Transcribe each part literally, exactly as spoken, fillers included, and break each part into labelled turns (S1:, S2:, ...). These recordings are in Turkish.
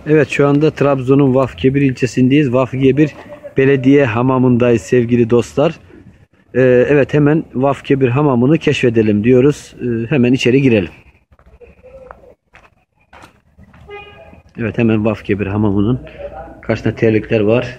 S1: Evet, şu anda Trabzon'un Vafkebir ilçesindeyiz. Vafkebir Belediye Hamamı'ndayız sevgili dostlar. Ee, evet, hemen Vafkebir Hamamı'nı keşfedelim diyoruz. Ee, hemen içeri girelim. Evet, hemen Vafkebir Hamamı'nın karşısında terlikler var.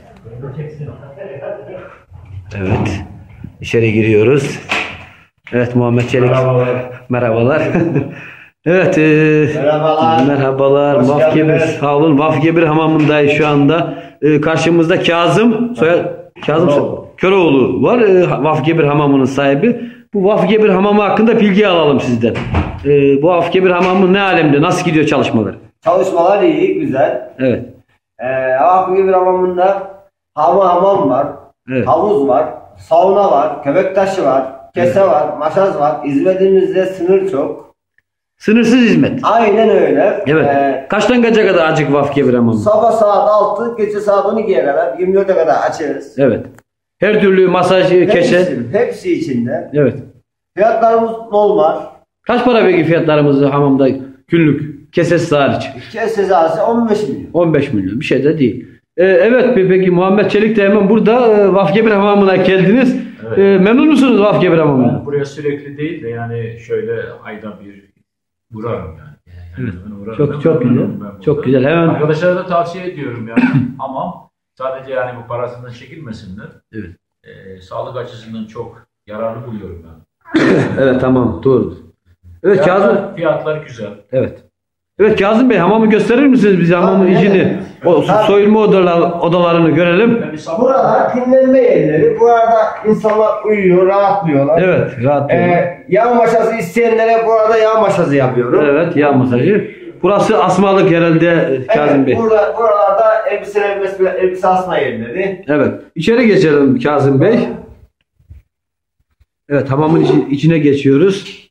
S1: Evet, içeri giriyoruz. Evet, Muhammed Çelik.
S2: Merhabalar.
S1: Merhabalar. Evet, e,
S2: Merhabalar.
S1: merhabalar. Vafkebir, sağ olun. Vafkebir Hamamı'ndayız şu anda. E, karşımızda Kazım, soyad Kazım
S2: Köroğlu.
S1: Köroğlu var. E, Vafkebir Hamamı'nın sahibi. Bu Vafkebir Hamamı hakkında bilgi alalım sizden. E, bu Vafkebir Hamamı ne alemde? Nasıl gidiyor çalışmalar?
S2: Çalışmalar iyi, güzel.
S1: Evet.
S2: Ee, Vafkebir Hamamı'nda hamam hamam var,
S1: Evet.
S2: havuz var, sauna var, köpek taşı var, kese var, maşaz var. Hizmetimizde sınır çok.
S1: Sınırsız hizmet.
S2: Aynen öyle.
S1: Evet.
S2: Ee,
S1: Kaçtan kaça kadar açık Vafkebir Hamamı?
S2: sabah saat altı, gece saat on ikiye kadar, yirmi dörde kadar açarız.
S1: Evet. Her türlü masaj, keşe.
S2: Hepsi, hepsi içinde.
S1: Evet.
S2: Fiyatlarımız normal.
S1: Kaç para peki fiyatlarımız hamamda günlük? Kesesi hariç.
S2: Kese cezası on beş milyon.
S1: on beş milyon. Bir şey de değil. Ee, evet peki Muhammed Çelik de hemen burada e, Vafkebir Hamamı'na geldiniz.
S3: Evet.
S1: E, memnun musunuz Vafkebir Hamamı'na?
S3: Ben buraya sürekli değil de yani şöyle ayda bir uğrarım yani. Yani ben uğrarım.
S1: Çok
S3: Ben
S1: çok güzel.
S3: memnunum ben burada.
S1: Çok güzel. Hemen
S3: Arkadaşlara da tavsiye ediyorum yani. Ama sadece yani bu parasından çekinmesinler.
S1: Evet.
S3: Ee, sağlık açısından çok yararlı buluyorum ben.
S1: evet tamam doğru. Evet Kazım.
S3: Fiyatlar, fiyatlar güzel.
S1: Evet. Evet Kazım Bey hamamı gösterir misiniz bize hamamın
S2: Tabii,
S1: içini?
S2: evet.
S1: O
S2: Tabii.
S1: soyunma odalar, odalarını görelim.
S3: Ben bir sabah
S2: Burada dinlenme yerleri. Burada insanlar uyuyor, rahatlıyorlar.
S1: Evet rahat olun.
S2: Ee, yağ maşası isteyenlere burada yağ maşası yapıyorum.
S1: Evet yağ masajı. Burası asmalık herhalde Kazım
S2: Evet,
S1: Bey.
S2: burada, buralarda elbiseler, mesela elbise asma yerleri.
S1: Evet. İçeri geçelim Kazım Bey. Evet hamamın içi- içine geçiyoruz.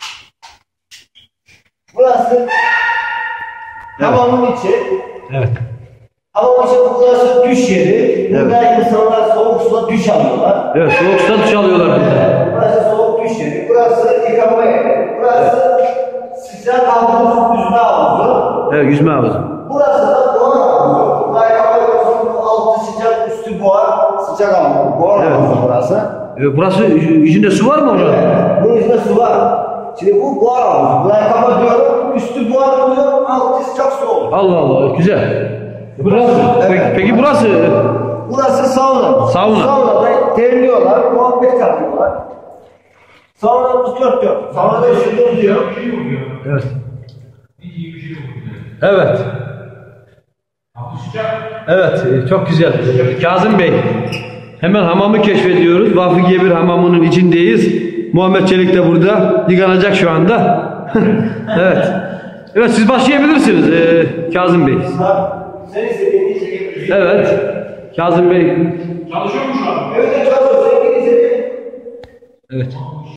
S2: Burası hamamın içi.
S1: Evet.
S2: Hamamın içi burası duş yeri. Burada insanlar soğuk suda duş alıyorlar.
S1: Evet soğuk suda duş alıyorlar burada.
S2: Burası soğuk duş yeri. Burası yıkama yeri. Burası sıcak havuz, yüzme havuzu.
S1: Evet yüzme havuzu.
S2: Burası da buhar havuzu. Buraya hava yorusunun altı sıcak, üstü buhar. Sıcak havuzu. Buhar
S1: Evet.
S2: havuzu burası.
S1: Evet, burası içinde su var mı orada?
S2: Evet. Bunun içinde su var. Şimdi bu buhar havuzu. Burayı kapatıyorum. Üstü buhar oluyor. Altı sıcak su oluyor.
S1: Allah Allah güzel. Burası.
S2: Evet.
S1: Peki, peki burası?
S2: Burası sauna.
S1: Sauna.
S2: Saunada terliyorlar, muhabbet yapıyorlar. Saunamız dört dört. Saunada ışıklı diyor.
S1: Evet. Evet. Evet e, çok güzel. Kazım Bey. Hemen hamamı keşfediyoruz. Vafkebir Hamamı'nın içindeyiz. Muhammed Çelik de burada. Yıkanacak şu anda. evet. Evet siz başlayabilirsiniz e, Kazım Bey.
S2: Sen istediğini çekebilirsin.
S1: Evet. Kazım Bey.
S2: Evet, çalışıyor. Sen istediğini
S1: Evet.